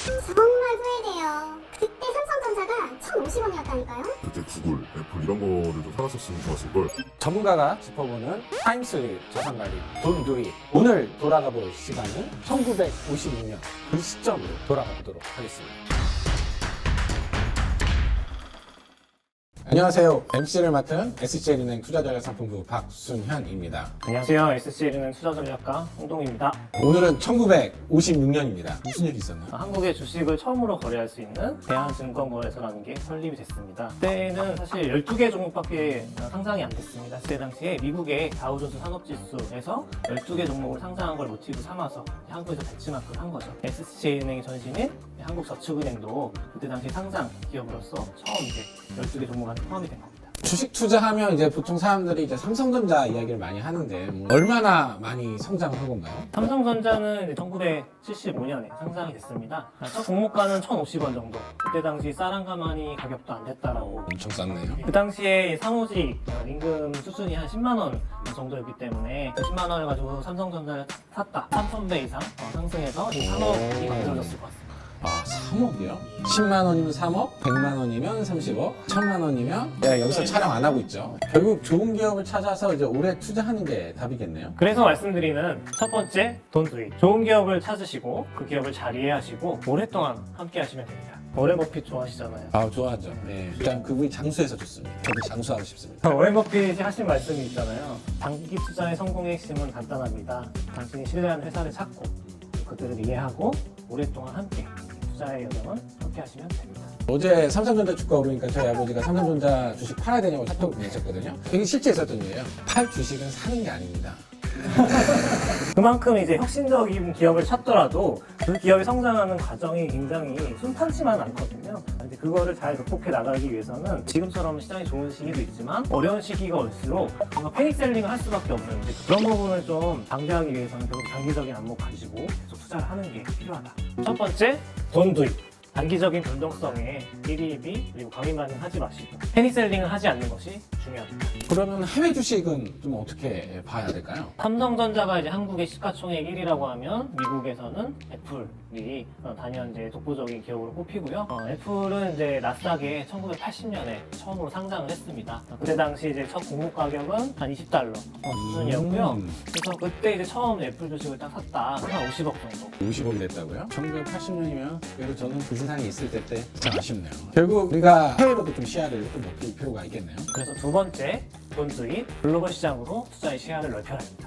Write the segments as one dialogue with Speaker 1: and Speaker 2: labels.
Speaker 1: 정말 후회돼요. 그때 삼성전자가 1,050원이었다니까요.
Speaker 2: 그때 구글, 애플 이런 거를 좀 사놨었으면 좋았을 걸.
Speaker 3: 전문가가 짚어보는 타임슬립 자산관리 돈두리. 오늘 돌아가 볼 시간은 1956년 그 시점으로 돌아가 보도록 하겠습니다. 안녕하세요. MC를 맡은 SJ은행 투자전략상품부 박순현입니다.
Speaker 4: 안녕하세요. SCL은행 투자전략가 홍동입니다.
Speaker 3: 오늘은 1956년입니다. 무슨 일이 있었나요?
Speaker 4: 한국의 주식을 처음으로 거래할 수 있는 대한증권거래소라는 게 설립이 됐습니다. 그때는 사실 12개 종목밖에 상장이 안 됐습니다. 그때 당시에 미국의 다우존스 산업지수에서 12개 종목을 상장한 걸 모티브 삼아서 한국에서 벤치마크를 한 거죠. SCJ은행의 전신인 한국저축은행도 그때 당시 상장 기업으로서 처음 이제 12개 종목 안에 포함이 된 겁니다.
Speaker 3: 주식 투자하면 이제 보통 사람들이 이제 삼성전자 이야기를 많이 하는데 얼마나 많이 성장한 건가요?
Speaker 4: 삼성전자는 이제 1975년에 상장이 됐습니다. 첫 종목가는 1,050원 정도. 그때 당시 쌀한가마니 가격도 안 됐다라고.
Speaker 3: 엄청 쌌네요.
Speaker 4: 그 당시에 사무직 임금 수준이 한 10만 원 정도였기 때문에 그 10만 원을 가지고 삼성전자를 샀다. 3,000배 이상 상승해서 지금 3억이 만들어졌을 것 같습니다.
Speaker 3: 아, 3억이요? 10만 원이면 3억, 100만 원이면 30억, 1000만 원이면 여기서 촬영 안 하고 있죠. 결국 좋은 기업을 찾아서 이제 오래 투자하는 게 답이겠네요.
Speaker 4: 그래서 말씀드리는 첫 번째 돈 수익. 좋은 기업을 찾으시고 그 기업을 잘 이해하시고 오랫동안 함께 하시면 됩니다. 워렌 버핏 좋아하시잖아요.
Speaker 3: 아, 좋아하죠. 네. 일단 그분이 장수해서 좋습니다. 저도 장수하고 싶습니다.
Speaker 4: 워렌 버핏이 하신 말씀이 있잖아요. 장기 투자의 성공의 핵심은 간단합니다. 당신이 신뢰하는 회사를 찾고 그들을 이해하고 오랫동안 함께 투자의 여정은 함께 하시면 됩니다.
Speaker 3: 어제 삼성전자 주가 오르니까 저희 아버지가 삼성전자 주식 팔아야 되냐고 카톡 보내셨거든요. 이게 실제 있었던 일이에요. 팔 주식은 사는 게 아닙니다.
Speaker 4: 그만큼 이제 혁신적인 기업을 찾더라도 그 기업이 성장하는 과정이 굉장히 순탄치만 않거든요. 근데 그거를 잘 극복해 나가기 위해서는 지금처럼 시장이 좋은 시기도 있지만 어려운 시기가 올수록 뭔가 패닉 셀링을 할 수밖에 없는데 그런 부분을 좀 방지하기 위해서는 결국 장기적인 안목 가지고 계속 투자를 하는 게 필요하다. 첫 번째, 돈 두입. 단기적인 변동성에 일희일비 그리고 강의만은 하지 마시고 패닉 셀링을 하지 않는 것이 중요합니다.
Speaker 3: 그러면 해외 주식은 좀 어떻게 봐야 될까요?
Speaker 4: 삼성전자가 이제 한국의 시가총액 1위라고 하면 미국에서는 애플이 단연 이제 독보적인 기업으로 꼽히고요. 애플은 이제 나스닥에 1980년에 처음으로 상장을 했습니다. 그때 당시 이제 첫 공모 가격은 한 20달러 수준이었고요. 그래서 그때 이제 처음 애플 주식을 딱 샀다. 한 50억 정도.
Speaker 3: 50억 됐다고요? 1980년이면 그래도 저는 그 세상에 있을 때 참 아쉽네요. 결국 우리가 해외로도 좀 시야를 좀 넓힐 필요가 있겠네요.
Speaker 4: 그래서 두 번째, 돈 수입, 글로벌 시장으로 투자의 시야를 넓혀야 합니다.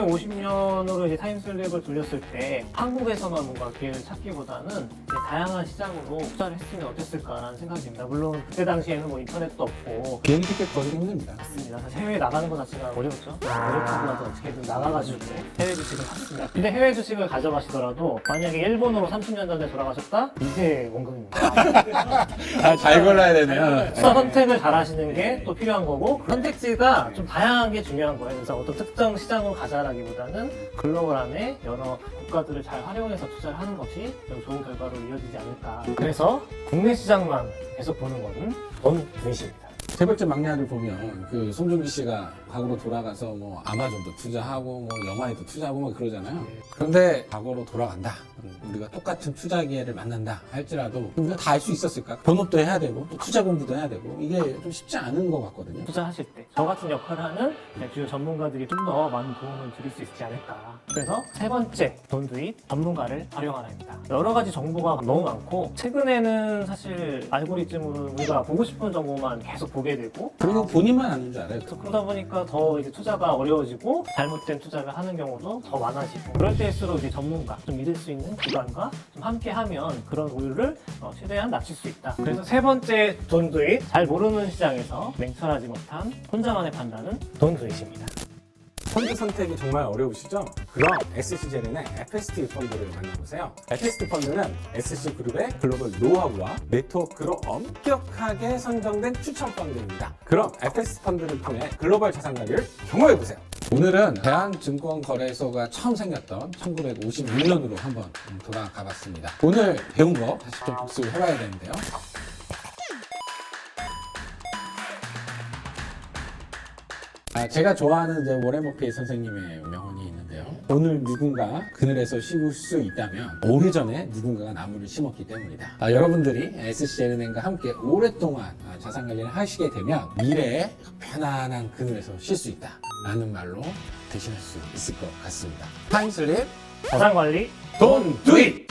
Speaker 4: 1950년으로 이제 타임슬립을 돌렸을 때 한국에서만 뭔가 기회를 찾기보다는 이제 다양한 시장으로 투자를 했으면 어땠을까라는 생각이 듭니다. 물론 그때 당시에는 뭐 인터넷도 없고
Speaker 3: 비행기 티켓 거르기 힘듭니다.
Speaker 4: 맞습니다. 사실 해외에 나가는 것 자체가 어렵죠. 어렵다고 나도 어떻게든 나가가지고 해외 주식을 샀습니다. 근데 해외 주식을 가져가시더라도 만약에 일본으로 30년 전에 돌아가셨다? 이제 원금입니다.
Speaker 3: 잘 골라야 되네요.
Speaker 4: 투자 선택을 잘 하시는 게 또 필요한 거고 선택지가 좀 다양한 게 중요한 거예요. 그래서 어떤 특정 시장으로 가자라기보다는 글로벌 안에 여러 국가들을 잘 활용해서 투자를 하는 것이 좀 좋은 결과로 이어지지 않을까. 그래서 국내 시장만 계속 보는 거는 돈 분이십니다.
Speaker 3: 재벌집 막내 아들 보면 그 송중기 씨가 과거로 돌아가서 뭐 아마존도 투자하고 뭐 영화에도 투자하고 뭐 그러잖아요. 그런데 과거로 돌아간다. 우리가 똑같은 투자 기회를 만난다 할지라도 우리가 다 알 수 있었을까? 본업도 해야 되고 또 투자 공부도 해야 되고 이게 좀 쉽지 않은 것 같거든요.
Speaker 4: 투자하실 때 저 같은 역할을 하는 주요 전문가들이 좀 더 많은 도움을 드릴 수 있지 않을까. 그래서 세 번째, 돈 수입 전문가를 활용하라입니다. 여러 가지 정보가 너무 많고 최근에는 사실 알고리즘으로 우리가 보고 싶은 정보만 계속 보게 되고
Speaker 3: 그리고 본인만 아는 줄 알아요.
Speaker 4: 그러다 보니까 더 이제 투자가 어려워지고 잘못된 투자를 하는 경우도 더 많아지고 그럴 때일수록 이제 전문가, 좀 믿을 수 있는 기관과 좀 함께하면 그런 오류를 최대한 낮출 수 있다. 그래서 세 번째 돈 수입, 잘 모르는 시장에서 냉철하지 못한 혼자만의 판단은 돈 수입입니다.
Speaker 3: 펀드 선택이 정말 어려우시죠? 그럼 SC제렌의 FST 펀드를 만나보세요. FST 펀드는 SC그룹의 글로벌 노하우와 네트워크로 엄격하게 선정된 추천 펀드입니다. 그럼 FST 펀드를 통해 글로벌 자산 관리를 경험해보세요. 오늘은 대한증권거래소가 처음 생겼던 1956년으로 한번 돌아가 봤습니다. 오늘 배운 거 다시 좀 복습을 해봐야 되는데요. 제가 좋아하는 이제 워렌 버핏 선생님의 명언이 있는데요. 오늘 누군가 그늘에서 쉬고 수 있다면 오래전에 누군가가 나무를 심었기 때문이다. 여러분들이 SC제네과 함께 오랫동안 자산 관리를 하시게 되면 미래에 편안한 그늘에서 쉴 수 있다 라는 말로 대신할 수 있을 것 같습니다. 타임슬립
Speaker 4: 자산 관리
Speaker 3: Don't do it!